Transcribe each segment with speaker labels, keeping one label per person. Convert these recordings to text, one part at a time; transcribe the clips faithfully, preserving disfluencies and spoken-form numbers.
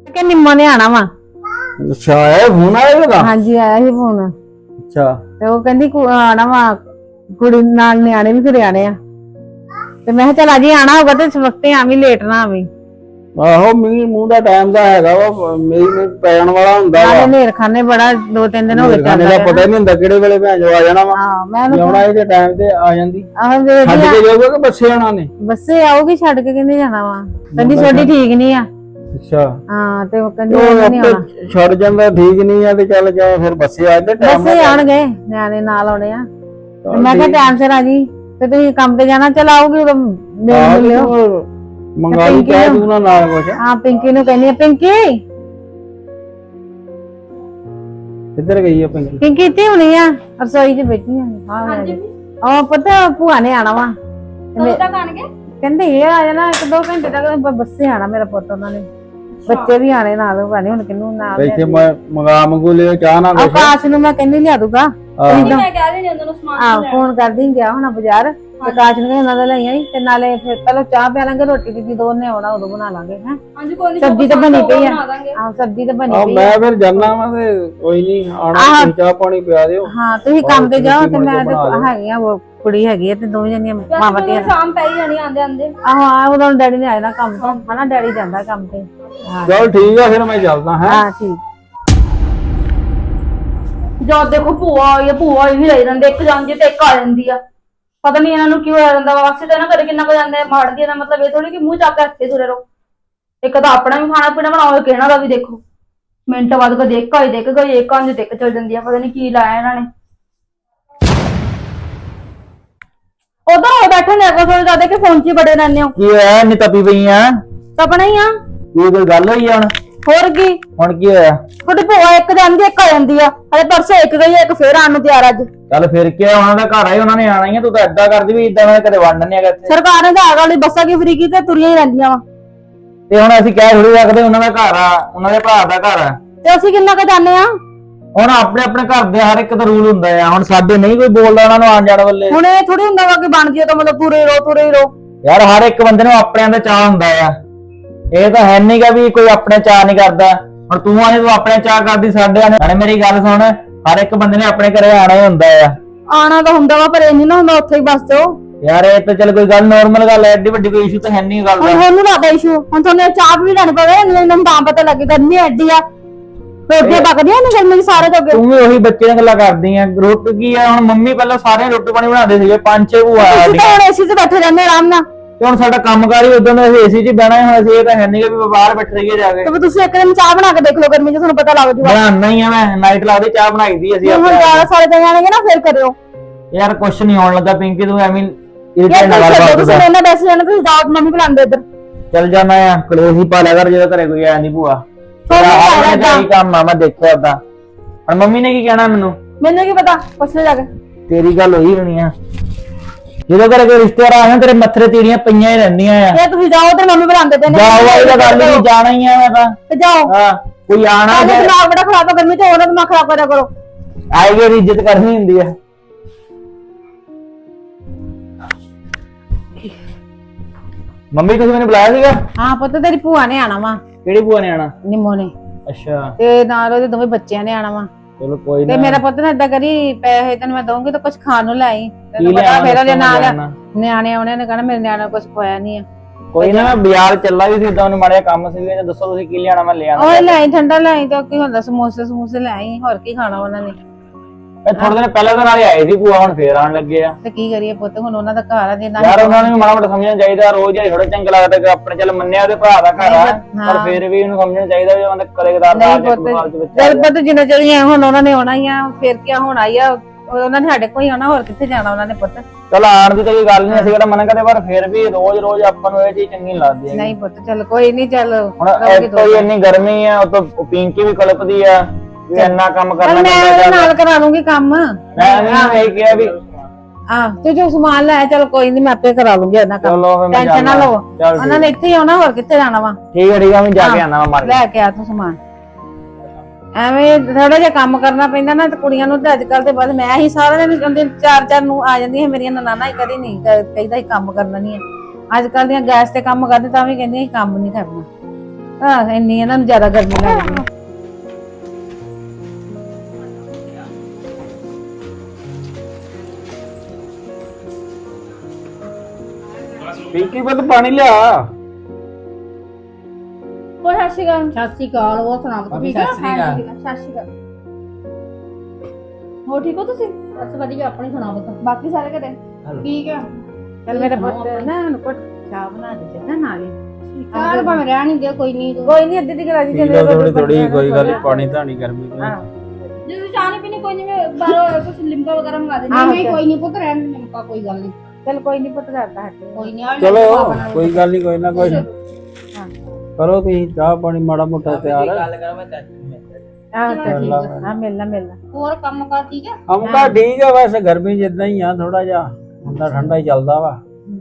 Speaker 1: ਕਿ ਨਿੰਮੋ ਨੇ ਆਣਾ ਵਾ।
Speaker 2: ਅੱਛਾ ਇਹ ਫੋਨ ਆਇਆ ਇਹਦਾ?
Speaker 1: ਹਾਂਜੀ ਆਇਆ ਸੀ ਫੋਨ।
Speaker 2: ਅੱਛਾ
Speaker 1: ਤੇ ਉਹ ਕਹਿੰਦੀ ਕੁ- ਆਣਾ ਵਾ ਕੁੜੀ ਨਾਲ ਨਿਆਣੇ ਵੀ ਘਰੇ ਆਣੇ ਆ ਤੇ ਮੈਂ ਕਿਹਾ ਚੱਲ ਅਜੇ ਆਣਾ ਹੋਗਾ ਤੇ ਇਸ ਵਕਤੇ ਆਵੀਂ ਲੇਟ ਨਾ ਆਵੀਂ।
Speaker 2: ਆਹੋ ਮੀਂਹ ਮੂੰਹ ਦਾ ਟਾਈਮ ਦਾ ਹੈਗਾ ਵਾ ਮੀਂਹ ਨੂੰ ਪੈਣ ਵਾਲਾ ਹੁੰਦਾ ਵਾ।
Speaker 1: ਨਾਲੇ ਨੇਰ ਖਾਨੇ ਬੜਾ ਦੋ ਤਿੰਨ ਦਿਨ ਹੋ ਗਏ
Speaker 2: ਖਾਣੇ ਦਾ ਪਤਾ ਹੀ ਨਹੀਂ ਹੁੰਦਾ ਕਿਹੜੇ ਵੇਲੇ ਭੈਣ ਜੋ ਆ ਜਾਣਾ ਵਾ।
Speaker 1: ਹਾਂ ਮੈਂ
Speaker 2: ਆਉਣਾ ਇਹਦੇ ਟਾਈਮ ਤੇ ਆ ਜਾਂਦੀ।
Speaker 1: ਆਹ
Speaker 2: ਛੱਡ
Speaker 1: ਵੇਖਦੀ
Speaker 2: ਕੇ ਜਾਊਗਾ ਕਿ ਬੱਸੇ ਆਣਾ ਨੇ?
Speaker 1: ਬੱਸੇ ਆਊਗੀ ਛੱਡ ਕੇ ਕਹਿੰਦੀ ਜਾਣਾ ਵਾ। ਕਹਿੰਦੀ ਛੋਟੀ ਠੀਕ ਨਹੀਂ ਆ।
Speaker 2: ਅੱਛਾ
Speaker 1: ਹਾਂ ਤੇ ਉਹ ਕਹਿੰਦੀ
Speaker 2: ਉਹ
Speaker 1: ਉਹਨੇ ਨਹੀਂ ਆਉਣਾ।
Speaker 2: ਆਪੇ ਛੱਡ ਜਾਂਦਾ ਠੀਕ ਨਹੀਂ ਆ ਤੇ ਚੱਲ ਜਾ ਫਿਰ ਬੱਸੇ ਆ ਜਾਂਦੇ ਟਾਈਮ
Speaker 1: ਬੱਸੇ ਆਉਣਗੇ ਨਿਆਣੇ ਨਾਲ ਆਉਣੇ ਆ ਤੇ ਮੈਂ ਕਿਹਾ ਟਾਈਮ ਸਿਰ ਆ ਜੀ ਤੇ ਤੁਸੀਂ ਕੰਮ ਤੇ ਜਾਣਾ ਚੱਲ ਆਊਗੀ ਉਦੋਂ ਮਿਲ ਲਿਓ।
Speaker 2: ਮੰਗਾ ਲਈ ਕਹਿ ਤੂੰ ਨਾ ਨਾਲ ਕੁਛ।
Speaker 1: ਹਾਂ ਪਿੰਕੀ ਨੂੰ ਕਹਿੰਦੀ ਆ ਪਿੰਕੀ
Speaker 2: ਕਿੱਧਰ ਗਈ ਆ ਪਿੰਕੀ?
Speaker 1: ਪਿੰਕੀ ਇੱਥੇ ਹੋਣੀ ਆ ਰਸੋਈ 'ਚ ਬੈਠੀ ਆ।
Speaker 3: ਹਾਂਜੀ
Speaker 1: ਉਹ ਪਤਾ ਭੂਆ ਨੇ ਆਣਾ ਵਾ
Speaker 3: ਕਦੋਂ ਤੱਕ ਆਣਗੇ?
Speaker 1: ਕਹਿੰਦੇ ਇਹ ਆ ਜਾਣਾ ਇੱਕ ਦੋ ਘੰਟੇ ਤੱਕ ਬੱਸੇ ਆਣਾ ਮੇਰਾ ਪੁੱਤ ਉਹਨਾਂ ਨੇ। ਬੱਚੇ ਵੀ ਆਣੇ ਨਾਲ ਭਾਣੇ ਹੁਣ ਕਿੰਨੂੰ ਨਾਲ
Speaker 2: ਇੱਥੇ ਮੰਗਾ ਮੰਗੂ ਲਿਓ ਚਾਹ ਨਾ ਕੁਛ।
Speaker 1: ਆਕਾਸ਼ ਨੂੰ ਮੈਂ ਕਹਿੰਦੀ ਲਿਆ ਦੂਗਾ।
Speaker 3: ਮੈਂ ਕਹਿ ਰਹੀ ਉਹਨਾਂ ਨੂੰ ਸਮਾਨ
Speaker 1: ਆਹ ਫੋਨ ਕਰਦੀ ਗਿਆ ਹੁਣ ਬਾਜ਼ਾਰ ਆਕਾਸ਼ ਨੂੰ ਉਹਨਾਂ ਦਾ ਲਈ ਆਈ ਤੇ ਨਾਲੇ ਫਿਰ ਪਹਿਲਾਂ ਚਾਹ ਪਿਆ ਲਾਂਗੇ ਰੋਟੀ ਦੀ ਜਦੋਂ ਉਹਨੇ ਆਉਣਾ ਉਦੋਂ ਬਣਾ ਲਾਂਗੇ ਹੈ।
Speaker 3: ਹਾਂਜੀ ਕੋਈ ਨਹੀਂ
Speaker 1: ਸਬਜ਼ੀ ਤਾਂ ਬਣੀ ਪਈ ਆ। ਆਹ ਸਬਜ਼ੀ ਤਾਂ ਬਣੀ
Speaker 2: ਆ
Speaker 1: ਪਈ ਆ।
Speaker 2: ਮੈਂ ਫਿਰ ਜਾਣਾ ਵਾ ਤੇ ਕੋਈ ਨਹੀਂ ਆਣਾ ਤੁਸੀਂ ਚਾਹ ਪਾਣੀ ਪਿਆ ਦਿਓ।
Speaker 1: ਹਾਂ ਤੁਸੀਂ ਕੰਮ ਤੇ ਜਾਓ ਤੇ ਮੈਂ ਤੇ ਹੈਗੀ ਆ ਉਹ ਕੁੜੀ ਹੈਗੀ ਆ ਤੇ ਦੋਵੇਂ ਜਣੀਆਂ ਮਾਵਾਂ ਧੀਆਂ।
Speaker 3: ਸ਼ਾਮ ਪੈ ਹੀ ਜਾਣੀ ਆਂਦੇ ਆਂਦੇ।
Speaker 1: ਆਹੋ ਆ ਉਦੋਂ ਡੈਡੀ ਨੇ ਆਇਆ ਨਾ ਕੰਮ ਤੋਂ ਹਨਾ ਡੈਡੀ ਜਾਂਦਾ ਕੰਮ ਤੇ।
Speaker 2: ਚਲ ਠੀਕ ਆ ਫਿਰ ਮੈਂ ਚੱਲਦਾ ਹੈ।
Speaker 1: ਹਾਂ ਠੀਕ।
Speaker 3: ਜਦ ਦੇਖੋ ਭੂਆ ਆਈ ਆ ਭੂਆ ਹੀ ਰਹੀ ਰਹਿੰਦੇ ਇੱਕ ਜਾਂਦੀ ਤੇ ਇੱਕ ਆ ਜਾਂਦੀ ਆ। ਪਤਾ ਨਹੀਂ ਇਹਨਾਂ ਨੂੰ ਕਿਉਂ ਆ ਜਾਂਦਾ ਵਾ। ਵਾਸਤੇ ਤਾਂ ਨਾ ਕਦੇ ਕਿੰਨਾ ਕੁ ਜਾਂਦਾ ਮਾੜਦੀ ਦਾ ਮਤਲਬ ਇਹ ਥੋੜੀ ਕਿ ਮੂੰਹ ਚੱਕ ਕੇ ਹੱਥੇ ਤੁਰੇ ਰਹੋ। ਇੱਕ ਤਾਂ ਆਪਣਾ ਵੀ ਖਾਣਾ ਪੀਣਾ ਬਣਾਓ ਕਿਹਨਾਂ ਦਾ ਵੀ ਦੇਖੋ। ਮਿੰਟ ਬਾਅਦ ਕਦੇ ਇੱਕ ਆਈ ਦੇਖ ਗਈ ਇੱਕ ਆਂਦੀ ਤੇ ਇੱਕ ਚਲ ਜਾਂਦੀ ਆ। ਪਤਾ ਨਹੀਂ ਕੀ ਲਾਇਆ ਇਹਨਾਂ ਨੇ। ਉਧਰ ਹੋ ਬੈਠੇ ਨੇ ਕੋ ਥੋੜੇ ਜ਼ਿਆਦਾ ਕਿ ਫੋਨ 'ਚ ਹੀ ਬੜੇ ਰਹਿੰਦੇ ਹੋ।
Speaker 2: ਕੀ ਹੋਇਆ ਇੰਨੀ ਤਪੀ ਪਈ ਆ?
Speaker 3: ਆਪਣਾ ਹੀ ਆ।
Speaker 2: ਕੀ ਕੋਈ ਗੱਲ ਹੋਈ ਆ ਹੁਣ?
Speaker 3: ਹੋਰ ਕੀ
Speaker 2: ਹੁਣ ਕੀ ਹੋਇਆ?
Speaker 3: ਤੁਹਾਡੀ ਭੂਆ ਇੱਕ ਜਾਂਦੀ ਇੱਕ ਆ ਜਾਂਦੀ ਆ। ਹਲੇ ਪਰਸੋਂ ਇੱਕ ਗਈ ਇੱਕ ਫੇਰ ਆਣ ਨੂੰ ਤਿਆਰ ਅੱਜ।
Speaker 2: ਚੱਲ ਫਿਰ ਕੀ ਆ ਉਹਨਾਂ ਦਾ ਘਰ ਆਈ ਉਹਨਾਂ ਨੇ ਆਣਾ ਹੀ ਆ। ਤੂੰ ਤਾਂ ਏਦਾਂ ਕਰਦੀ ਵੀ ਇਦਾਂ ਮੈਂ ਕਦੇ ਵੰਡ ਨਹੀਂ ਹੈਗਾ ਇੱਥੇ।
Speaker 3: ਸਰਕਾਰ ਨੇ ਤਾਂ ਆਗ ਵਾਲੀ ਬੱਸਾਂ ਕੀ ਫਰੀ ਕੀਤੀ ਤੁਰੀਆਂ ਹੀ ਰਹਿੰਦੀਆਂ ਵਾ।
Speaker 2: ਤੇ ਹੁਣ ਅਸੀਂ ਕਹਿ ਥੋੜੀ ਰੱਖਦੇ ਉਹਨਾਂ ਦਾ ਘਰ ਆ ਉਹਨਾਂ ਦੇ ਭਰਾ ਦਾ ਘਰ ਆ।
Speaker 3: ਤੇ ਅਸੀਂ ਕਿੰਨਾ ਕੁ ਜਾਂਦੇ ਆ।
Speaker 2: ਹੁਣ ਆਪਣੇ ਆਪਣੇ ਘਰ ਦੇ ਹਰ ਇੱਕ ਦਾ ਰੂਲ ਹੁੰਦਾ ਆ। ਹੁਣ ਸਾਡੇ ਨਹੀਂ ਕੋਈ ਬੋਲਦਾ ਉਹਨਾਂ ਨੂੰ ਆਣ ਜਾਣ ਵੱਲੇ।
Speaker 3: ਹੁਣ ਇਹ ਥੋੜੀ ਹੁੰਦਾ ਵਾ ਕਿ ਬਣ ਜਿਓ ਤਾਂ ਮਤਲਬ ਪੂਰੇ ਰੋ ਤੁਰੇ ਹੀ ਰੋ।
Speaker 2: ਯਾਰ ਹਰ ਇੱਕ ਬੰਦੇ ਨੂੰ ਆਪਣਿਆਂ ਦਾ ਚਾਹ ਹੁੰਦਾ ਆ। ਇਹ ਤਾਂ ਹੈ ਨਹੀਂਗਾ ਵੀ ਕੋਈ ਆਪਣੇ ਚਾਹ ਨਹੀਂ ਕਰਦਾ। ਹੁਣ ਤੂੰ ਆਨੇ ਤੂੰ ਆਪਣੇ ਚਾਹ ਕਰਦੀ ਸਾਡੇ ਆਨੇ। ਮੇਰੀ ਗੱਲ ਸੁਣ ਹਰ ਇੱਕ ਬੰਦੇ ਨੇ ਆਪਣੇ ਘਰੇ ਆਣਾ ਹੀ ਹੁੰਦਾ ਆ।
Speaker 3: ਆਣਾ ਤਾਂ ਹੁੰਦਾ ਵਾ ਪਰ ਇਹ ਨਹੀਂ ਨਾ ਹੁੰਦਾ ਉੱਥੇ ਹੀ ਬਸ ਜਾਓ।
Speaker 2: ਯਾਰ ਇਹ ਤਾਂ ਚੱਲ ਕੋਈ ਗੱਲ ਨਾਰਮਲ ਗੱਲ ਐ। ਐਡੀ ਵੱਡੀ ਕੋਈ ਇਸ਼ੂ ਤਾਂ ਹੈ ਨਹੀਂ ਗੱਲ ਦਾ।
Speaker 3: ਹੁਣ ਉਹਨੂੰ ਲੱਗਦਾ ਇਸ਼ੂ ਹੁਣ ਤੁਹਾਨੂੰ ਚਾਹ ਵੀ ਲੈਣੀ ਪਵੇ ਇਹਨਾਂ ਤਾਂ ਪਤਾ ਲੱਗੇ ਗਰਮੀ ਐਡੀ ਆ। ਰੋਟੀਆਂ ਪੱਕਦੀਆਂ ਨੇ ਗਰਮੀ ਸਾਰੇ ਤੋਂ ਅੱਗੇ।
Speaker 2: ਤੂੰ ਵੀ ਉਹੀ ਬੱਚੇ ਨਾਲ ਗੱਲਾਂ ਕਰਦੀ ਆ। ਰੋਟੀ ਕੀ ਆ ਹੁਣ ਮੰਮੀ ਪਹਿਲਾਂ ਸਾਰੇ ਰੋਟੀ ਪਾਣੀ ਬਣਾਉਂਦੇ ਸੀਗੇ ਪੰਜ ਛੇ ਭੂਆ
Speaker 3: ਤੁਸੀਂ ਤਾਂ ਹੁਣ ਏਸੀ 'ਚ ਬੈਠੇ ਰਹਿੰਦੇ ਆਰਾਮ ਨਾਲ।
Speaker 2: ਤੇ ਹੁਣ ਸਾਡਾ ਕੰਮਕਾਰ ਹੀ ਉਦੋਂ ਦਾ ਏਸੀ 'ਚ ਹੀ ਬਹਿਣਾ ਹੁਣ ਅਸੀਂ ਇਹ ਤਾਂ ਹੈ ਨਹੀਂ ਕਿ ਬਾਹਰ ਬੈਠ ਰਹੀਏ ਜਾ ਕੇ।
Speaker 3: ਤੇ ਤੁਸੀਂ ਇੱਕ ਦਿਨ ਚਾਹ ਬਣਾ ਕੇ ਦੇਖ ਲਓ ਗਰਮੀ 'ਚ ਤੁਹਾਨੂੰ ਪਤਾ ਲੱਗ ਜੂਗਾ।
Speaker 2: ਬਣਾਉਣਾ ਹੀ ਆ ਮੈਂ ਨਾਈਟ ਲਾ ਦੇ ਚਾਹ ਬਣਾਈ ਦੀ ਅਸੀਂ
Speaker 3: ਹੁਣ
Speaker 2: ਆਪਣੇ
Speaker 3: ਜ਼ਿਆਦਾ ਸਾਰੇ ਦਿਨ ਆਣਗੇ ਨਾ ਫਿਰ ਕਰਿਓ।
Speaker 2: ਯਾਰ ਕੁਛ ਨਹੀਂ ਆਉਣ ਲੱਗਾ ਪਿੰਕੀ ਤੂੰ ਐਵੇਂ
Speaker 3: ਯਾਰ
Speaker 2: ਇਰੀਟੇਟ ਨਾ ਕਰ
Speaker 3: ਤੁਸੀਂ
Speaker 2: ਬਾਤ
Speaker 3: ਇਹਨਾਂ ਬੈਸੇ ਜਾਣਾ ਤੁਸੀਂ ਦਾਤ ਮੰਮੀ ਬੁਲਾਉਂਦੇ ਇੱਧਰ।
Speaker 2: ਚੱਲ ਜਾਣਾ ਆ ਕਲੇਸ਼ ਹੀ ਪਾ ਲਿਆ ਕਰ ਜਦੋਂ ਘਰੇ ਕੋਈ ਆਇਆ ਨਹੀਂ ਭੂਆ।
Speaker 3: ਤੁਹਾਨੂੰ
Speaker 2: ਕੀ ਕੰਮ ਆ ਮੈਂ ਦੇਖਿਆ ਓਦਾਂ। ਹੁਣ ਮੰਮੀ ਨੇ ਕੀ ਕਹਿਣਾ ਮੈਨੂੰ?
Speaker 3: ਮੈਨੂੰ ਕੀ ਪਤਾ ਪੁੱਛ ਲੈ ਜਾ ਕੇ।
Speaker 2: ਤੇਰੀ ਗੱਲ ਹੋਈ ਹੋਣੀ ਆ। ਜਦੋਂ ਘਰੇ ਕੋਈ ਰਿਸ਼ਤੇਦਾਰ ਆਇਆ ਤੇਰੇ ਮੱਥੇ ਤੀੜੀਆਂ ਪਈਆਂ ਹੀ ਰਹਿੰਦੀਆਂ ਆ।
Speaker 3: ਇਹ ਤੁਸੀਂ ਜਾਓ ਤੇ ਮੰਮੀ ਬੁਲਾਉਂਦੇ ਪਏ ਨੇ।
Speaker 2: ਜਾਓ ਇਹ ਤਾਂ ਗੱਲ ਨਹੀਂ ਜਾਣਾ ਹੀ ਆ ਮੈਂ ਤਾਂ।
Speaker 3: ਤੇ ਜਾਓ
Speaker 2: ਹਾਂ ਕੋਈ ਆਣਾ
Speaker 3: ਆਹ ਦਿਮਾਗ ਬੜਾ ਖਰਾਬ ਆ ਗਰਮੀ 'ਚ ਉਹਨਾਂ ਦਿਮਾਗ ਖਰਾਬ ਕਰਿਆ ਕਰੋ।
Speaker 2: ਆਏਗੇ ਦੀ ਇੱਜ਼ਤ ਕਰਨੀ ਹੁੰਦੀ ਆ। ਮੰਮੀ ਤੁਸੀਂ ਮੈਨੂੰ ਬੁਲਾਇਆ ਸੀਗਾ?
Speaker 1: ਹਾਂ ਪੁੱਤ ਤੇਰੀ ਭੂਆ ਨੇ ਆਣਾ ਵਾ
Speaker 2: ਕਿਹੜੀ ਭੂਆ ਨੇ ਆਣਾ?
Speaker 1: ਨਿੰਮੋ ਨੇ
Speaker 2: ਅੱਛਾ
Speaker 1: ਤੇ ਨਾਲ ਉਹਦੇ ਦੋਵੇਂ ਬੱਚਿਆਂ ਨੇ ਆਣਾ ਵਾ।
Speaker 2: ਚਲੋ ਕੋਈ
Speaker 1: ਤੇ
Speaker 2: ਨਾ।
Speaker 1: ਮੇਰਾ ਪੁੱਤ ਨੇ ਏਦਾਂ ਕਰੀ ਪੈਸੇ ਤੈਨੂੰ ਮੈਂ ਦਊਂਗੀ ਤਾਂ ਕੁਝ ਖਾਣ ਨੂੰ ਲੈ ਆਈ। ਤੈਨੂੰ
Speaker 2: ਕੀ
Speaker 1: ਪਤਾ
Speaker 2: ਲਿਆਵਾਂ
Speaker 1: ਫੇਰ ਉਹਦੇ ਨਾਲ
Speaker 2: ਲਿਆਉਣਾ?
Speaker 1: ਨਿਆਣੇ ਆਉਣੇ ਨੇ ਕਹਿਣਾ ਮੇਰੇ ਨਿਆਣੇ ਨੂੰ ਕੁਝ ਖਵਾਇਆ ਨਹੀਂ ਆ।
Speaker 2: ਕੋਈ ਨਾ ਮੈਂ ਬਾਜ਼ਾਰ ਚੱਲਾ ਵੀ ਸੀ ਇਦਾਂ ਉਹਨੂੰ ਮਾੜਾ ਕੰਮ ਸੀ ਤੇ ਦੱਸੋ ਤੁਸੀਂ ਕੀ ਲਿਆਣਾ ਮੈਂ ਲਿਆਣਾ।
Speaker 1: ਉਹ ਲੈ ਆਈ ਠੰਡਾ ਲੈ ਆਈ ਤੇ ਕੀ ਹੁੰਦਾ ਸਮੋਸੇ ਸਮੂਸੇ ਲੈ ਆਈ ਹੋਰ ਕੀ ਖਾਣਾ ਉਹਨਾਂ ਨੇ।
Speaker 2: ਇਹ ਥੋੜੇ ਦਿਨ ਪਹਿਲਾਂ ਤਾਂ ਨਾਲੇ ਆਏ ਸੀ ਭੂਆ ਹੁਣ ਫੇਰ ਆਣ ਲੱਗੇ ਆ।
Speaker 1: ਤੇ ਕੀ ਕਰੀਏ ਪੁੱਤ ਹੁਣ ਉਹਨਾਂ ਦਾ ਘਰ ਆ ਜੇ ਨਾ
Speaker 2: ਯਾਰ ਉਹਨਾਂ ਨੂੰ ਵੀ ਮਾੜਾ ਮੋਟਾ ਸਮਝਣਾ ਚਾਹੀਦਾ। ਰੋਜ਼ ਹੀ ਥੋੜਾ ਚੰਗਾ ਲੱਗਦਾ ਕਿ ਆਪਣੇ ਚੱਲ ਮੰਨਿਆ ਉਹਦੇ ਭਰਾ ਦਾ ਘਰ ਆ ਪਰ ਫੇਰ ਵੀ ਉਹਨੂੰ ਸਮਝਣਾ ਚਾਹੀਦਾ ਵੀ ਉਹਦਾ ਕਦੇ ਕਦਾਰ ਦਾ
Speaker 1: ਨਹੀਂ ਪੁੱਤ ਜਦ ਪੁੱਤ ਜਿੰਨਾ ਚਿਰ ਹੁਣ ਉਹਨਾਂ ਨੇ ਆਉਣਾ ਹੀ ਆ ਫੇਰ ਕੀ ਹੋਣਾ ਹੀ ਆ। ਉਹਨਾਂ ਨੇ ਸਾਡੇ ਕੋਈ ਆਉਣਾ ਹੋਰ ਕਿੱਥੇ ਜਾਣਾ ਉਹਨਾਂ ਨੇ ਪੁੱਤ।
Speaker 2: ਚਲ ਆਣ ਦੀ ਤਾਂ ਕੋਈ ਗੱਲ ਨਹੀਂ ਅਸੀਂ ਕਿਹੜਾ ਮਨਾ ਕਰਦੇ ਪਰ ਫੇਰ ਵੀ ਰੋਜ਼ ਰੋਜ਼ ਆਪਾਂ ਨੂੰ ਇਹ ਚੀਜ਼ ਚੰਗੀ ਨਹੀਂ ਲੱਗਦੀ।
Speaker 1: ਨਹੀਂ ਪੁੱਤ ਚੱਲ ਕੋਈ ਨਹੀਂ ਚੱਲ
Speaker 2: ਹੁਣ ਕੋਈ ਇੰਨੀ ਗਰਮੀ ਆ ਉਹ ਤੋਂ ਪਿੰਕੀ ਵੀ ਕਲਪਦੀ ਆ ਵੀ ਇੰਨਾ ਕੰਮ ਕਰਨਾ
Speaker 1: ਮੈਂ ਉਹਦੇ ਨਾਲ ਕਰਾ ਲੂੰਗੀ ਕੰਮ।
Speaker 2: ਮੈਂ ਨਹੀਂ ਇਹ ਕਿਹਾ ਵੀ
Speaker 1: ਆਹ ਤੂੰ ਜੋ ਸਮਾਨ ਲੈ ਚੱਲ ਕੋਈ ਨਹੀਂ ਮੈਂ ਆਪੇ ਕਰਾ ਲੂੰਗੀ ਉਹਨਾਂ ਕੰਮ।
Speaker 2: ਚਲੋ ਫਿਰ ਮੈਂ
Speaker 1: ਟੈਨਸ਼ਨ ਨਾ
Speaker 2: ਜਾਣਾ।
Speaker 1: ਲਓ
Speaker 2: ਚੱਲ
Speaker 1: ਉਹਨਾਂ ਨੇ ਇੱਥੇ ਹੀ ਆਉਣਾ ਹੋਰ ਕਿੱਥੇ ਜਾਣਾ ਵਾ।
Speaker 2: ਠੀਕ ਹੈ ਠੀਕ ਆ ਮੈਂ ਜਾ ਕੇ ਆਣਾ ਵਾ ਮਾਰ
Speaker 1: ਲੈ ਕੇ ਆ ਤੂੰ ਸਮਾਨ। ਐਵੇਂ ਥੋੜਾ ਜਿਹਾ ਕੰਮ ਕਰਨਾ ਪੈਂਦਾ ਨਾ ਤੇ ਕੁੜੀਆਂ ਨੂੰ ਤੇ ਅੱਜ ਕੱਲ ਤੇ ਬਸ ਮੈਂ ਹੀ ਸਾਰਾ ਦਿਨ ਕਹਿੰਦੇ ਚਾਰ ਚਾਰ ਨੂੰ ਆ ਜਾਂਦੀਆਂ ਮੇਰੀਆਂ ਨਨਾਣਾ ਹੀ ਕਦੀ ਨਹੀਂ ਕਹਿੰਦਾ ਹੀ ਕੰਮ ਕਰਨਾ ਨਹੀਂ ਹੈ। ਅੱਜ ਕੱਲ ਦੀਆਂ ਗੈਸ ਤੇ ਕੰਮ ਕਰਦੇ ਤਾਂ ਵੀ ਕਹਿੰਦੀਆਂ ਹੀ ਕੰਮ ਨਹੀਂ ਕਰਨਾ। ਹਾਂ ਇੰਨੀ ਇਹਨਾਂ ਨੂੰ ਜ਼ਿਆਦਾ ਗਰਮੀ ਲੱਗਦੀ ਆ।
Speaker 4: ਪਿੰਕੀ ਵੱਲ ਪਾਣੀ ਲਿਆ।
Speaker 3: ਉਹ ਸਤਿ ਸ਼੍ਰੀ ਅਕਾਲ। ਸਤਿ ਸ਼੍ਰੀ ਅਕਾਲ। ਹੋਰ ਸੁਣਾ ਤੂੰ ਠੀਕ ਆ?
Speaker 4: ਸਤਿ ਸ਼੍ਰੀ ਅਕਾਲ।
Speaker 3: ਸਤਿ ਸ਼੍ਰੀ ਅਕਾਲ। ਹੋਰ ਠੀਕ ਹੋ ਤੁਸੀਂ? ਬਸ ਵਧੀਆ। ਆਪਣੀ ਸੁਣਾ ਬਤਾ। ਬਾਕੀ ਸਾਰੇ ਘਰੇ ਠੀਕ ਆ?
Speaker 1: ਚੱਲ ਮੇਰਾ ਪੁੱਤ ਨਾ ਉਹਨੂੰ ਘੁੱਟ ਚਾਹ ਬਣਾ ਦੇ ਚੰਗਾ ਨਾਲ ਹੀ।
Speaker 3: ਚਾਹ ਭਾਵੇਂ ਰਹਿਣ ਹੀ ਦਿਓ, ਕੋਈ ਨਹੀਂ।
Speaker 1: ਕੋਈ ਨਹੀਂ ਅੱਧੀ ਦੀ ਗਲਾਜੀ
Speaker 4: ਪੀ ਲਓ ਥੋੜੀ ਥੋੜੀ, ਕੋਈ ਗੱਲ ਨੀ, ਪਾਣੀ ਧਾਣੀ ਗਰਮੀ ਦਾ।
Speaker 1: ਹਾਂ
Speaker 3: ਜੇ ਤੁਸੀਂ ਚਾਹ ਨਹੀਂ ਪੀਣੀ ਕੋਈ ਨਹੀਂ, ਮੈਂ ਬਾਹਰੋਂ ਕੁਝ ਲਿਮਕਾ ਵਗੈਰਾ ਮੰਗਾ ਦੇ। ਨਹੀਂ ਨਹੀਂ ਕੋਈ ਨਹੀਂ ਪੁੱਤ, ਰਹਿਣ ਦੇ ਲਿਮਕਾ, ਕੋਈ ਗੱਲ ਨਹੀਂ।
Speaker 1: ਚੱਲ ਕੋਈ ਨਹੀਂ ਪੁੱਤ ਕਰਦਾ ਹੱਟ
Speaker 3: ਕੋਈ ਨਹੀਂ।
Speaker 4: ਚਲੋ ਕੋਈ ਗੱਲ ਨਹੀਂ, ਕੋਈ ਨਾ ਕੋਈ
Speaker 1: ਹਾਂ
Speaker 4: ਕਰੋ ਤੁਸੀਂ ਚਾਹ ਪਾਣੀ ਮਾੜਾ ਮੋਟਾ ਤਿਆਰ।
Speaker 2: ਗੱਲ ਕਰ ਮੈਂ ਚਾਚੀ
Speaker 1: ਹਾਂ
Speaker 3: ਠੀਕ ਆ।
Speaker 1: ਹਾਂ ਮਿਲਣਾ ਮਿਲਣਾ।
Speaker 3: ਹੋਰ ਕੰਮ ਕਾਰ ਠੀਕ ਹੈ?
Speaker 4: ਹਮਕਾ ਠੀਕ ਆ, ਵੈਸੇ ਗਰਮੀ ਜਿੱਦਾਂ ਹੀ ਆ, ਥੋੜਾ ਜਿਹਾ ਹੁੰਦਾ ਠੰਡਾ ਹੀ ਚੱਲਦਾ ਵਾ।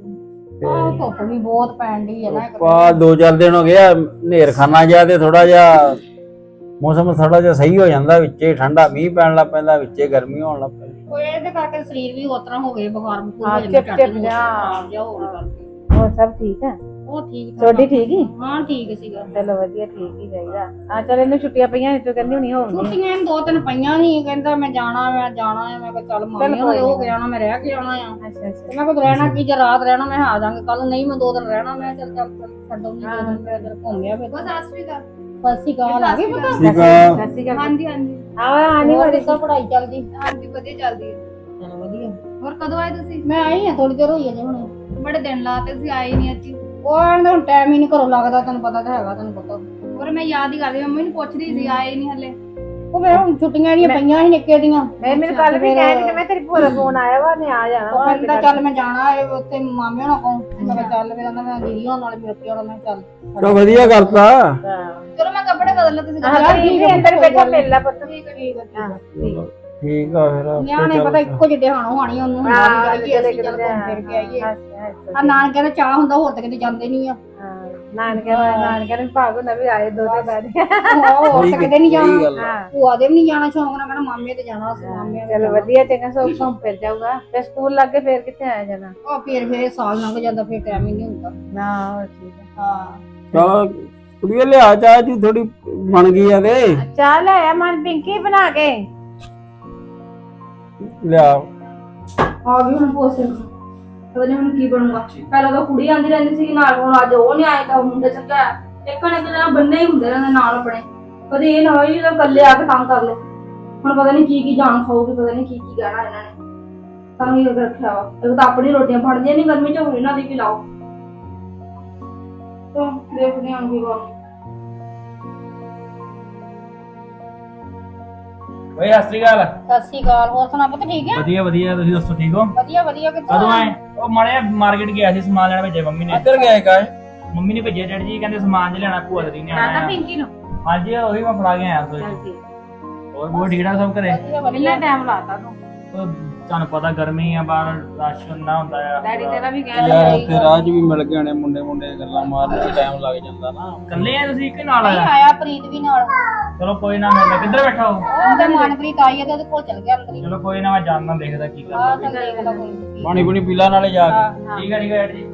Speaker 3: ਆਹ ਧੁੱਪ ਵੀ ਬਹੁਤ ਪੈਣ ਡਈ ਹੈ ਨਾ।
Speaker 4: ਪਾ ਦੋ ਚਾਰ ਦਿਨ ਹੋ ਗਿਆ ਹਨੇਰ ਖਾਨਾ ਜਿਹਾ, ਤੇ ਥੋੜਾ ਜਿਹਾ ਮੌਸਮ ਥੋੜਾ ਜਿਹਾ ਸਹੀ ਹੋ ਜਾਂਦਾ, ਵਿੱਚੇ ਠੰਡਾ ਮੀਂਹ ਪੈਣ ਲੱਗ ਪੈਂਦਾ, ਵਿੱਚੇ ਗਰਮੀ ਹੋਣ ਲੱਗ ਪੈਂਦੀ।
Speaker 3: ਉਹ ਇਹਦੇ ਕਰਕੇ ਸਰੀਰ ਵੀ ਉਸ ਤਰ੍ਹਾਂ ਹੋ ਗਏ, ਬੁਖਾਰ ਬੁਖਾਰ
Speaker 1: ਹਾਂ,
Speaker 3: ਹੋ ਜਾਂਦਾ,
Speaker 1: ਚਿਪ ਚਿਪ ਜਿਹਾ।
Speaker 3: ਜਿਹਾ ਹੋਣ ਕਰਕੇ।
Speaker 1: ਹੋਰ ਸਭ ਠੀਕ ਹੈ?
Speaker 3: ਉਹ ਠੀਕ ਠਾਕ
Speaker 1: ਛੋਟੀ ਠੀਕ ਹੀ?
Speaker 3: ਹਾਂ ਠੀਕ ਸੀਗਾ।
Speaker 1: ਚਲੋ ਵਧੀਆ, ਠੀਕ ਹੀ ਚਾਹੀਦਾ। ਆ ਚੱਲ ਇਹਨੂੰ ਛੁੱਟੀਆਂ ਪਈਆਂ ਨੇ ਤੂੰ ਕਹਿੰਦੀ ਹੁਣੀ ਹੋਣੀ।
Speaker 3: ਛੁੱਟੀਆਂ ਇਹਨੂੰ ਦੋ ਤਿੰਨ ਪਈਆਂ ਸੀ, ਕਹਿੰਦਾ ਮੈਂ ਜਾਣਾ ਮੈਂ ਜਾਣਾ ਹੈ। ਮੈਂ ਕਿਹਾ ਚੱਲ ਮਾਮੀ ਹੋਏ ਹੋ ਕੇ ਜਾਣਾ, ਮੈਂ ਰਹਿ ਕੇ ਆਉਣਾ ਆ।
Speaker 1: ਅੱਛਾ
Speaker 3: ਤੇ
Speaker 1: ਅੱਛਾ
Speaker 3: ਮੈਂ ਕਿਹਾ ਰਹਿਣਾ ਕੀ, ਜੇ ਰਾਤ ਰਹਿਣਾ ਮੈਂ ਆ ਜਾਾਂਗੇ ਕੱਲ। ਨਹੀਂ ਮੈਂ ਦੋ ਦਿਨ ਰਹਿਣਾ। ਮੈਂ ਚੱਲ ਚੱਲ ਛੱਡੋ ਨਹੀਂ, ਦੋ ਦਿਨ ਮੈਂ ਇੱਧਰ ਘੁੰਮਿਆ ਫਿਰ। ਬਸ ਸਤਿ ਸ਼੍ਰੀ ਅਕਾਲ। ਸਤਿ ਸ਼੍ਰੀ ਅਕਾਲ। ਆ ਗਈ ਪਤਾ?
Speaker 4: ਠੀਕ ਆ।
Speaker 1: ਸਤਿ ਸ਼੍ਰੀ ਅਕਾਲ।
Speaker 3: ਹਾਂਜੀ ਹਾਂਜੀ।
Speaker 1: ਆ ਆਣੀ
Speaker 3: ਹੋਰ
Speaker 1: ਵਾਲੀ
Speaker 3: ਕਿੱਦਾਂ ਪੜ੍ਹਾਈ ਚੱਲਦੀ?
Speaker 5: ਹਾਂਜੀ ਵਧੀਆ ਚੱਲਦੀ ਹੈ।
Speaker 3: ਚਲੋ ਵਧੀਆ।
Speaker 5: ਹੋਰ ਕਦੋਂ ਆਏ ਤੁਸੀਂ?
Speaker 3: ਮੈਂ ਆਈ ਆ, ਥੋੜੀ ਦੇਰ ਹੋਈ ਅਜੇ ਹੁਣ।
Speaker 5: ਬੜੇ ਦਿਨ ਲਾਤੇ, ਤੁਸੀਂ ਆਏ ਨਹੀਂ ਅੱਜ।
Speaker 3: ਉਹ ਆਂਦਾ ਹੁਣ ਟਾਈਮ ਹੀ ਨਹੀਂ ਘਰੋਂ ਲੱਗਦਾ, ਤੈਨੂੰ ਪਤਾ ਤਾਂ ਹੈਗਾ, ਤੈਨੂੰ ਪਤਾ।
Speaker 5: ਹੋਰ ਮੈਂ ਯਾਦ ਹੀ ਕਰਦੀ, ਮੰਮੀ ਨੂੰ ਪੁੱਛਦੀ ਸੀ, ਆਏ ਨਹੀਂ ਹਲੇ।
Speaker 3: ਉਹ ਮੈਂ ਹੁਣ ਛੁੱਟੀਆਂ ਦੀਆਂ ਪਈਆਂ ਸੀ ਨਿੱਕੇ ਦੀਆਂ।
Speaker 1: ਮੈਂ ਮੈਨੂੰ ਕੱਲ ਵੀ ਕਹਿ ਕਿ ਮੈਂ ਤੇਰੀ ਭੂਆ ਦਾ ਫੋਨ ਆਇਆ ਵਾ, ਨੇ ਆ ਜਾਣਾ
Speaker 3: ਉਹ
Speaker 1: ਵਾ।
Speaker 3: ਕਹਿੰਦਾ ਚੱਲ ਮੈਂ ਜਾਣਾ ਹੈ ਉੱਥੇ ਮਾਮੇ ਹੋਣਾ ਕੋਲ। ਮੈਂ ਕਿਹਾ ਚੱਲ, ਫਿਰ ਕਹਿੰਦਾ ਮੈਂ ਦੀਦੀ ਹੋਣ ਨਾਲ ਮਿਲ ਕੇ ਆਉਣਾ। ਮੈਂ ਚੱਲ
Speaker 4: ਚਲੋ ਵਧੀਆ ਕਰਤਾ।
Speaker 1: ਹਾਂ
Speaker 5: ਚਲੋ ਮੈਂ ਕੱਪੜੇ ਬਦਲ ਲਾ, ਤੁਸੀਂ
Speaker 1: ਹਾਂ ਠੀਕ ਹੈ, ਅੰਦਰ ਬੈਠਾ ਮਿਲ ਲੈ ਪੁੱਤ।
Speaker 3: ਠੀਕ ਹੈ ਠੀਕ ਹੈ।
Speaker 1: ਹਾਂ ਠੀਕ
Speaker 4: ਠੀਕ ਆ ਫਿਰ ਆਪੇ
Speaker 3: ਨਿਆਣੇ
Speaker 4: ਚੱਲ।
Speaker 3: ਪਤਾ ਇੱਕੋ ਜਿਹੇ ਹਾਣੋ ਹਾਣੀ ਉਹਨੂੰ ਹੁੰਦਾ
Speaker 1: ਹਾਂ
Speaker 3: ਵੀ ਜਾਈਏ ਅਸੀਂ, ਚੱਲ ਘੁੰਮ ਫਿਰ ਕੇ ਆਈਏ।
Speaker 1: ਹਾਂ
Speaker 3: ਆ ਨਾਨਕੇ ਦਾ ਚਾਹ ਹੁੰਦਾ, ਹੋਰ ਤਾਂ ਕਿਤੇ ਜਾਂਦੇ ਨਹੀਂ ਆ।
Speaker 1: ਨਾਨਕੇ ਨਾਨਕੇ ਨੇ ਭਾਗ ਹੁੰਦਾ ਵੀ ਆਏ ਦੋ ਤੇ ਬੈਠ ਗਏ।
Speaker 3: ਹੋਰ ਤਾਂ ਕਿਤੇ ਨਹੀਂ
Speaker 4: ਸਹੀ
Speaker 3: ਜਾਣਾ।
Speaker 4: ਗੱਲ ਆ।
Speaker 1: ਹਾਂ
Speaker 3: ਭੂਆ ਦੇ ਵੀ ਨਹੀਂ ਜਾਣਾ ਸ਼ੌਂਕ ਨਾਲ, ਕਹਿਣਾ ਮਾਮੇ ਤੇ ਜਾਣਾ ਅਸੀਂ, ਮਾਮੇ ਦੇ
Speaker 1: ਚਲੋ ਵਧੀਆ, ਚੰਗਾ ਸੋ ਘੁੰਮ ਫਿਰ ਜਾਊਗਾ। ਤੇ ਸਕੂਲ ਲੱਗ ਕੇ ਫੇਰ ਕਿੱਥੇ ਆਇਆ ਜਾਣਾ।
Speaker 3: ਉਹ ਫਿਰ ਫਿਰ ਸਾਲ ਲੰਘ ਜਾਂਦਾ, ਫਿਰ ਟਾਈਮ ਹੀ ਨਹੀਂ ਹੁੰਦਾ।
Speaker 1: ਨਾ ਹੋਰ ਠੀਕ ਹੈ।
Speaker 3: ਹਾਂ
Speaker 4: ਚਲ ਕੁੜੀਏ ਲਿਆ ਚਾਹ ਜੀ ਥੋੜੀ ਬਣ ਗਈ ਆ ਤੇ
Speaker 1: ਚਾਹ ਲੈ ਆ ਮਨ ਪਿੰਕੀ ਬਣਾ ਕੇ
Speaker 4: ਲਿਆ।
Speaker 3: ਆ ਗਈ ਹੁਣ ਪੋਸੇ ਪਤਾ ਨਹੀਂ ਹੁਣ ਕੀ ਬਣੂਗਾ। ਪਹਿਲਾਂ ਤਾਂ ਕੁੜੀ ਆਂਦੀ ਰਹਿੰਦੀ ਸੀ ਨਾਲ, ਹੁਣ ਅੱਜ ਉਹ ਨਹੀਂ ਆਏ ਤਾਂ ਮੁੰਡੇ ਚੱਕਿਆ ਇੱਕ ਨੇ ਕਿਹੜਾ ਬੰਨੇ ਹੀ ਹੁੰਦੇ ਰਹਿੰਦੇ ਨਾਲ ਆਪਣੇ। ਕਦੇ ਇਹ ਨਾ ਹੋਈ ਜਦੋਂ ਇਕੱਲੇ ਆ ਕੇ ਕੰਮ ਕਰ ਲਓ। ਹੁਣ ਪਤਾ ਨਹੀਂ ਕੀ ਕੀ ਜਾਣ ਖਾਊਗੀ, ਪਤਾ ਨਹੀਂ ਕੀ ਕੀ ਕਹਿਣਾ ਇਹਨਾਂ ਨੇ। ਤਾਂ ਹੀ ਰੱਖਿਆ ਵਾ। ਇਹ ਤਾਂ ਆਪਣੀ ਰੋਟੀਆਂ ਫੜਦੀਆਂ ਨਹੀਂ ਗਰਮੀ ਚ, ਹੁਣ ਇਹਨਾਂ ਦੀ ਵੀ ਲਾਓ। ਤਾਂ ਦੇਖਦੇ ਹਾਂ ਕੀ ਬਣਦਾ।
Speaker 2: ਓਏ ਸਤਿ ਸ਼੍ਰੀ ਅਕਾਲ।
Speaker 3: ਸਤਿ ਸ਼੍ਰੀ ਅਕਾਲ। ਹੋਰ ਸੁਣਾ ਪੁੱਤ ਠੀਕ ਹੈ?
Speaker 2: ਵਧੀਆ ਵਧੀਆ, ਤੁਸੀਂ ਦੱਸੋ ਠੀਕ ਹੋ?
Speaker 3: ਵਧੀਆ ਵਧੀਆ। ਕਿੱਥੋਂ
Speaker 2: ਕਦੋਂ ਆਏ? ਉਹ ਮਾੜੇ ਮਾਰਕੀਟ ਗਿਆ ਸੀ, ਸਮਾਨ ਲੈਣ ਭੇਜਿਆ ਮੰਮੀ ਨੇ।
Speaker 4: ਇੱਧਰ ਗਏ ਕਾਏ?
Speaker 2: ਮੰਮੀ ਨੇ ਭੇਜਿਆ ਡੈਡੀ ਜੀ, ਕਹਿੰਦੇ ਸਮਾਨ ਜ ਲੈਣਾ ਭੂਆ ਦੀ ਨੇ ਆਣਾ।
Speaker 1: ਪਿੰਕੀ ਨੂੰ
Speaker 2: ਹਾਂਜੀ ਉਹੀ ਮੈਂ ਫੜਾ ਕੇ ਆਇਆ ਸੋਚ। ਹੋਰ ਬਹੁਤ ਠੀਕ ਠਾਕ ਸਭ ਘਰੇ?
Speaker 3: ਵਧੀਆ ਵਧੀਆ।
Speaker 1: ਕਿੰਨਾ ਟਾਈਮ ਲਾਤਾ ਤੂੰ?
Speaker 2: ਉਹ ਤੁਹਾਨੂੰ ਪਤਾ ਗਰਮੀ ਆ, ਬਾਹਰ ਰਸ਼ ਨਾ ਹੁੰਦਾ ਆ।
Speaker 1: ਡੈਡੀ ਤੇਰਾ ਵੀ ਕਹਿ
Speaker 4: ਯਾਰ ਤੇ ਰਾਜ ਵੀ ਮਿਲ ਗਏ ਨੇ, ਮੁੰਡੇ ਮੁੰਡੇ ਗੱਲਾਂ ਮਾਰਨ ਚ ਟਾਈਮ ਲੱਗ ਜਾਂਦਾ ਨਾ।
Speaker 2: ਇਕੱਲੇ ਆ ਤੁਸੀਂ ਕਿ ਨਾਲ
Speaker 3: ਨਹੀਂ
Speaker 2: ਆਇਆ?
Speaker 3: ਆਇਆ, ਪ੍ਰੀਤ ਵੀ ਨਾਲ।
Speaker 2: ਚਲੋ ਕੋਈ ਨਾ, ਮੈਂ ਕਿੱਧਰ ਬੈਠਾ ਹੋ?
Speaker 3: ਉਹਦੇ ਮਨਪ੍ਰੀਤ ਆਈ ਹੈ ਤੇ ਉਹਦੇ ਕੋਲ ਚਲ ਗਿਆ ਅੰਦਰ ਹੀ।
Speaker 2: ਚਲੋ ਕੋਈ ਨਾ, ਮੈਂ ਜਾਣਦਾ ਦੇਖਦਾ ਕੀ
Speaker 3: ਆ
Speaker 2: ਕਰਦਾ।
Speaker 3: ਚੱਲ ਦੇਖ ਲਾ ਕੋਈ ਨੀ।
Speaker 4: ਪਾਣੀ ਪੂਣੀ ਪੀਲਾ ਨਾਲੇ ਜਾ ਕੇ।
Speaker 2: ਠੀਕ ਹੈ ਠੀਕ ਹੈ ਡੈਡੀ ਜੀ।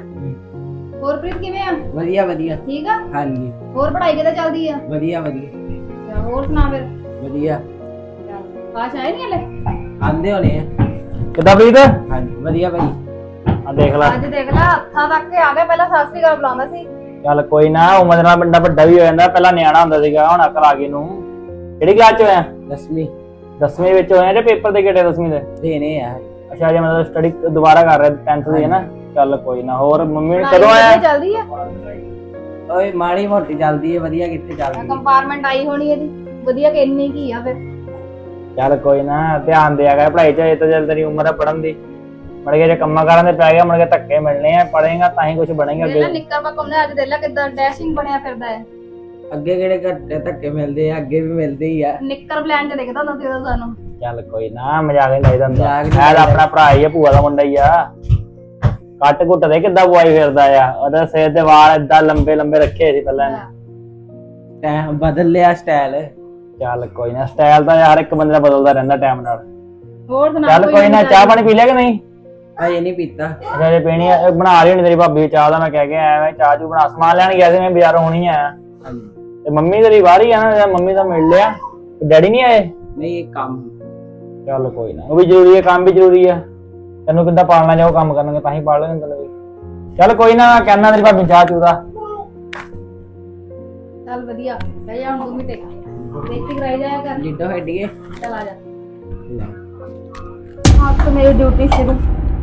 Speaker 5: ਹੋਰ ਪ੍ਰੀਤ ਕਿਵੇਂ ਆ?
Speaker 6: ਵਧੀਆ ਵਧੀਆ
Speaker 5: ਠੀਕ ਆ?
Speaker 6: ਹਾਂਜੀ
Speaker 5: ਹੋਰ ਪੜ੍ਹਾਈ ਕਿੱਦਾਂ ਚੱਲਦੀ ਆ?
Speaker 6: ਵਧੀਆ ਵਧੀਆ
Speaker 5: ਅੱਛਾ, ਹੋਰ ਸੁਣਾ ਫਿਰ।
Speaker 6: ਵਧੀਆ
Speaker 5: ਆਸ਼ ਆਏ ਨਹੀਂ ਹਲੇ?
Speaker 6: ਆਂਦੇ ਹੋਣੇ ਆ।
Speaker 2: ਕਿੱਦਾਂ ਪ੍ਰੀਤ?
Speaker 6: ਹਾਂਜੀ ਵਧੀਆ ਭਾਈ।
Speaker 2: ਆ ਦੇਖ ਲੈ।
Speaker 5: ਅੱਜ ਦੇਖ ਲੈ ਹੱਥਾਂ ਤੱਕ ਕੇ ਆ ਗਿਆ, ਪਹਿਲਾਂ ਸਤਿ ਸ਼੍ਰੀ ਅਕਾਲ ਬੁਲਾਉਂਦਾ ਸੀ।
Speaker 2: ਚੱਲ ਕੋਈ ਨਾ, ਉਮਰ ਨਾਲ ਬੰਦਾ ਵੱਡਾ ਵੀ ਹੋ ਜਾਂਦਾ। ਪਹਿਲਾਂ ਨਿਆਣਾ ਹੁੰਦਾ ਸੀਗਾ, ਹੁਣ ਅਕਲ ਆ ਗਈ ਨੂੰ। ਕਿਹੜੀ ਕਲਾਸ ਚ ਹੋਇਆ?
Speaker 6: ਦਸਵੀਂ
Speaker 2: ਦਸਵੀਂ ਵਿੱਚ ਹੋਇਆ ਜਾਂ ਪੇਪਰ ਦੇ ਕਿਹੜੇ ਦਸਵੀਂ ਦੇ?
Speaker 6: ਦੇਣੇ ਆ।
Speaker 2: ਅੱਛਾ ਜੇ ਮਤਲਬ ਸਟੱਡੀ ਦੁਬਾਰਾ ਕਰ ਰਿਹਾ ਟੈਂਥ ਦੀ ਹੈ ਨਾ। ਚੱਲ ਕੋਈ ਨਾ। ਹੋਰ ਮੰਮੀ
Speaker 5: ਪੜ੍ਹਾਈ
Speaker 2: ਕਦੋਂ ਆਇਆ?
Speaker 5: ਵਧੀਆ ਚੱਲਦੀ ਆ?
Speaker 6: ਓਏ ਮਾੜੀ ਮੋਟੀ ਚੱਲਦੀ ਹੈ, ਵਧੀਆ ਕਿੱਥੇ ਚੱਲਦੀ ਹੈ।
Speaker 5: ਕੰਪਾਰਟਮੈਂਟ ਆਈ ਹੋਣੀ ਇਹਦੀ, ਵਧੀਆ ਕਿ ਇੰਨੀ ਕੀ ਆ ਫਿਰ।
Speaker 2: ਚੱਲ ਕੋਈ ਨਾ, ਧਿਆਨ ਦਿਆ ਕਰ ਪੜ੍ਹਾਈ ਚ। ਇਹ ਤਾਂ ਜਦ ਤੇਰੀ ਉਮਰ ਹੈ ਪੜ੍ਹਨ ਦੀ। ਮੜ ਕੇ ਜੇ ਕੰਮਾਂ ਕਾਰਾਂ ਦੇ ਪੈ ਗਿਆ, ਮੁੜ ਕੇ ਧੱਕੇ ਮਿਲਣੇ ਆ। ਪੜ੍ਹੇਗਾ ਤਾਂ ਹੀ ਕੁਝ ਬਣੇਗਾ
Speaker 5: ਦੇਖ ਲੈ
Speaker 2: ਅੱਗੇ।
Speaker 5: ਨਿੱਕਰ ਮੱਕਮ ਨੇ ਅੱਜ ਦੇਖ ਲੈ ਕਿੱਦਾਂ ਡੈਸ਼ਿੰਗ ਬਣਿਆ ਫਿਰਦਾ ਹੈ।
Speaker 6: ਅੱਗੇ ਕਿਹੜੇ ਘੱਟੇ ਧੱਕੇ ਮਿਲਦੇ ਆ, ਅੱਗੇ ਵੀ ਮਿਲਦੇ ਹੀ ਆ।
Speaker 5: ਨਿੱਕਰ ਪਲਾਨ ਚ ਦੇਖਦਾ ਹੁੰਦਾ ਸੀ ਉਹਦਾ ਸਾਨੂੰ।
Speaker 2: ਚੱਲ ਕੋਈ ਨਾ, ਮਜ਼ਾਕ ਨਹੀਂ ਲਾਈਦਾ ਹੁੰਦਾ।
Speaker 6: ਮਜ਼ਾਕ ਨੀ
Speaker 2: ਮੈਂ ਤਾਂ
Speaker 6: ਲਾਈਦਾ।
Speaker 2: ਆਪਣਾ ਭਰਾ ਹੀ ਆ, ਭੂਆ ਦਾ ਮੁੰਡਾ ਹੀ ਆ। ਕੱਟ ਘੁੱਟ ਦੇ ਕਿੱਦਾਂ ਬੁਆਈ ਫਿਰਦਾ ਆ। ਉਹਦੇ ਸਿਰ ਦੇ ਵਾਲ ਏਦਾਂ ਲੰਬੇ ਲੰਬੇ ਰੱਖੇ ਸੀ ਪਹਿਲਾਂ ਇਹਨੇ।
Speaker 6: ਟਾਈਮ ਬਦਲ ਲਿਆ ਸਟਾਈਲ।
Speaker 2: ਚੱਲ ਕੋਈ ਨਾ, ਸਟਾਈਲ ਤਾਂ ਹਰ ਇੱਕ ਬੰਦੇ ਦਾ ਬਦਲਦਾ ਰਹਿੰਦਾ ਟਾਈਮ ਨਾਲ।
Speaker 5: ਹੋਰ ਸੁਣਾ
Speaker 2: ਚੱਲ ਕੋਈ ਨਾ, ਚਾਹ ਪਾਣੀ ਪੀ ਲਿਆ ਕਿ ਨਹੀਂ?
Speaker 6: ਅਜੇ ਨਹੀਂ ਪੀਤਾ।
Speaker 2: ਅੱਛਾ ਜੇ ਪੀਣੀ ਆ, ਬਣਾ ਰਹੀ ਹੋਣੀ ਤੇਰੀ ਭਾਬੀ ਚਾਹ ਦਾ। ਮੈਂ ਕਹਿ ਕੇ ਆਇਆ ਮੈਂ ਚਾਹ ਚੂ ਬਣਾ। ਸਮਾਨ ਲੈਣ ਗਿਆ ਸੀ ਮੈਂ, ਬਾਜ਼ਾਰੋਂ ਹੁਣੀ ਆਇਆ।
Speaker 6: ਹਾਂਜੀ
Speaker 2: ਤੇ ਮੰਮੀ ਤੇਰੀ ਬਾਹਰ ਹੀ ਆ ਨਾ, ਜਾਂ ਮੰਮੀ ਦਾ ਮਿਲ ਲਿਆ, ਡੈਡੀ ਨਹੀਂ ਆਏ?
Speaker 6: ਨਹੀਂ ਇਹ ਕੰਮ
Speaker 2: ਚੱਲ ਕੋਈ ਨਾ, ਉਹ ਵੀ ਜ਼ਰੂਰੀ ਹੈ, ਕੰਮ ਵੀ ਜ਼ਰੂਰੀ ਆ। ਤੈਨੂੰ ਕਿੱਦਾਂ ਪਾਲਣਾ ਜਾਓ, ਕੰਮ ਕਰਨਗੇ ਤਾਂ ਹੀ ਪਾਲ ਲੈਣਗੇ ਤੈਨੂੰ ਵੀ। ਚੱਲ ਕੋਈ ਨਾ, ਕਹਿਣਾ ਤੇਰੀ ਭਾਬੀ ਚਾਹ ਚੂਦਾ।
Speaker 5: ਚੱਲ ਵਧੀਆ ਬਹਿ ਜਾ ਹੁਣ ਦੋ ਮਿੰਟ ਬੇਇੱਜ਼ਤੀ ਕਰਾਈ ਜਾਇਆ ਕਰ
Speaker 6: ਜਿੱਦੋਂ ਹੱਡੀਏ
Speaker 5: ਚੱਲ ਆ ਜਾ
Speaker 3: ਅੱਜ ਤੋਂ ਮੇਰੀ ਡਿਊਟੀ ਸ਼ੁਰੂ।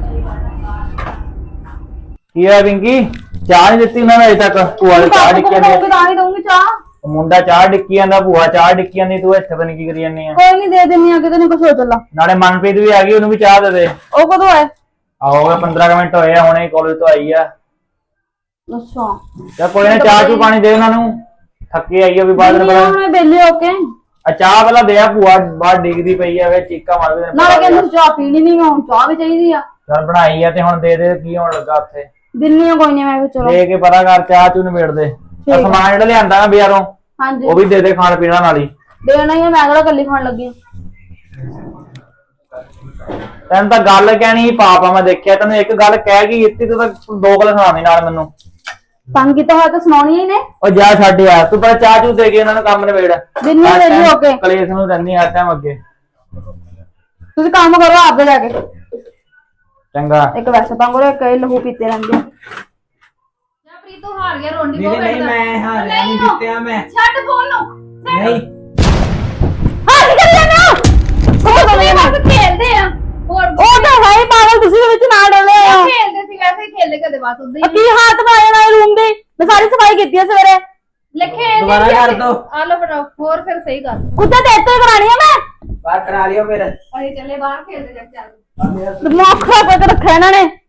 Speaker 2: ਕੀ ਹੋਇਆ ਪਿੰਕੀ, ਚਾਹ ਨਹੀਂ ਦਿੱਤੀ ਉਹਨਾਂ ਨੇ ਅਜੇ ਤੱਕ? ਭੂਆ ਦੀ ਚਾਹ ਡਿੱਕੀ ਜਾਂਦੀ ਆ।
Speaker 3: ਤਾਂ ਹੀ ਦਊਂਗੀ ਚਾਹ।
Speaker 2: ਮੁੰਡਾ ਚਾਹ ਡਿੱਕੀ ਜਾਂਦਾ, ਭੂਆ ਚਾਹ ਡਿੱਕੀ ਜਾਂਦੀ, ਤੂੰ ਇੱਥੇ ਪਤਾ ਨੀ ਕੀ ਕਰੀ ਜਾਂਦੀ ਆ।
Speaker 3: ਕੋਈ ਨਹੀਂ ਦੇ ਦਿੰਨੀ ਆ, ਕਿਤੇ ਨੂੰ ਕੁਛ ਹੋ ਚੱਲਾ।
Speaker 2: ਨਾਲੇ ਮਨਪ੍ਰੀਤ ਵੀ ਆ ਗਈ, ਉਹਨੂੰ ਵੀ ਚਾਹ ਦੇ ਦੇ।
Speaker 3: ਉਹ ਕਦੋਂ ਆਏ?
Speaker 2: ਆਹੋ ਗਿਆ ਪੰਦਰਾਂ ਕੁ ਮਿੰਟ ਹੋਏ ਆ, ਹੁਣੇ ਕਾਲਜ ਤੋਂ ਆਈ ਆ।
Speaker 3: ਅੱਛਾ
Speaker 2: ਚੱਲ ਕੋਈ ਨਾ, ਚਾਹ ਚੂ ਪਾਣੀ ਦੇ ਉਹਨਾਂ ਨੂੰ, ਥੱਕੀ ਆਈ ਆ ਵੀ ਬਾਅਦ
Speaker 3: ਨਹੀਂ
Speaker 2: ਵਿੱਚ।
Speaker 3: ਹੁਣ ਵਿਹਲੇ ਹੋ ਕੇ
Speaker 2: ਆ ਚਾਹ ਪਹਿਲਾਂ ਦੇ ਆ, ਭੂਆ ਬਾਹਰ ਡਿੱਗਦੀ ਪਈ ਆ, ਵੇ ਚੀਕਾ ਮਾਰਦੇ ਨੇ।
Speaker 3: ਨਾਲੇ ਕਹਿੰਦੇ ਚਾਹ ਪੀਣੀ ਨਹੀਂ, ਹੁਣ ਚਾਹ ਵੀ ਚਾਹੀਦੀ ਆ।
Speaker 2: ਚੱਲ ਬਣਾਈ ਆ ਤੇ ਹੁਣ ਦੇ ਦੇ, ਕੀ ਹੋਣ ਲੱਗਾ ਉੱਥੇ?
Speaker 3: ਦਿੰਨੀ ਆ ਕੋਈ ਨਹੀਂ, ਮੈਂ ਵੀ ਚਲੋ
Speaker 2: ਦੇ ਕੇ ਪਤਾ ਕਰ, ਚਾਹ ਚੂ ਨਿਬੇੜ ਦੇ।
Speaker 3: ਠੀਕ
Speaker 2: ਆਹ
Speaker 3: ਆ।
Speaker 2: ਸਮਾਨ ਜਿਹੜਾ ਲਿਆਂਦਾ ਨਾ ਬਾਜ਼ਾਰੋਂ,
Speaker 3: ਹਾਂਜੀ
Speaker 2: ਉਹ ਵੀ ਦੇ ਦੇ ਖਾਣ ਪੀਣ ਨਾਲ ਹੀ।
Speaker 3: ਦੇਣਾ ਹੀ ਆ, ਮੈਂ ਕਿਹੜਾ ਕੱਲੀ ਖਾਣ ਲੱਗੀ ਆ।
Speaker 2: ਤੈਨੂੰ ਤਾਂ ਗੱਲ ਕਹਿਣੀ ਹੀ ਪਾਪ ਆ, ਮੈਂ ਦੇਖਿਆ ਤੈਨੂੰ ਇੱਕ ਗੱਲ ਕਹਿ ਗਈ ਇੱਥੇ, ਤੂੰ ਤਾਂ ਦੋ ਗੱਲ ਸੁਣਾਉਣੀ ਨਾਲ ਮੈਨੂੰ।
Speaker 3: ਤੰਗ ਕੀਤਾ ਹੋਇਆ ਤਾਂ ਸੁਣਾਉਣੀ ਹੀ ਨੇ।
Speaker 2: ਉਹ ਜਾ ਛੱਡ ਯਾਰ, ਤੂੰ ਪਰ ਚਾਹ ਚੂ ਦੇ ਕੇ ਉਹਨਾਂ ਨੂੰ ਕੰਮ ਨਿਬੇੜ।
Speaker 3: ਦਿੰਨੀ ਆ ਵਿਹਲੇ ਹੋ ਕੇ।
Speaker 2: ਕਲੇਸ਼ ਨੂੰ ਰਹਿੰਦੀ ਹਰ ਟਾਈਮ ਅੱਗੇ।
Speaker 3: ਤੁਸੀਂ ਕੰਮ ਕਰੋ ਆਪਦੇ ਜਾ ਕੇ।
Speaker 2: ਚੰਗਾ।
Speaker 3: ਇੱਕ ਵੈਸੇ ਤੰਗ ਕਰੋ, ਇੱਕ ਇਹ ਲਹੂ ਪੀਤੇ ਰਹਿੰਦੇ ਆ।
Speaker 5: ਜਾ ਪ੍ਰੀਤ ਤੂੰ ਹਾਰ ਗਿਆ, ਰੋਂਡੀ
Speaker 6: ਨਹੀਂ ਨਹੀਂ ਮੈਂ ਹਾਰਿਆ ਨਹੀਂ ਜਿੱਤਿਆ ਮੈਂ
Speaker 5: ਛੱਡ ਫੋਨ ਨੂੰ
Speaker 6: ਨਹੀਂ
Speaker 3: ਹਾਂ ਨਿਕਲ ਜਾਣਾ।
Speaker 5: ਉਹ ਤਾਂ ਬਸ ਖੇਲਦੇ ਆ ਹੋਰ
Speaker 3: ਉਹ ਤਾਂ ਹੈ ਹੀ ਪਾਗਲ, ਤੁਸੀਂ ਵਿੱਚ ਨਾ ਡੋਲੇ ਆ।
Speaker 5: ਖੇਲਦੇ ਸੀ ਵੈਸੇ ਹੀ ਖੇਲਦੇ ਕਦੇ ਬਸ ਉਦਾਂ ਹੀ
Speaker 3: ਕੀ ਹੱਥ ਪਾਏ ਨਾ ਰੂਮ ਦੇ, ਮੈਂ ਸਾਰੀ ਸਫਾਈ ਕੀਤੀ ਆ ਸਵੇਰੇ।
Speaker 5: ਲਿਖੇ
Speaker 6: ਦੁਬਾਰਾ ਕਰ ਦੋ।
Speaker 5: ਆ ਲੋ ਫਟੋ ਹੋਰ ਫਿਰ ਸਹੀ ਕਰ
Speaker 3: ਕੁੱਤੇ ਤੇ ਇੱਥੇ ਕਰਾਣੀ ਆ ਮੈਂ।
Speaker 6: ਬਾਹਰ ਕਰਾ ਲਿਓ ਫਿਰ
Speaker 5: ਅਸੀਂ ਚੱਲੇ ਬਾਹਰ ਖੇਲਦੇ ਜਾ ਕੇ ਚੱਲ
Speaker 3: ਦਿਮਾਗ ਖਰਾਬ ਕਰਕੇ ਰੱਖਿਆ ਇਹਨਾਂ ਨੇ।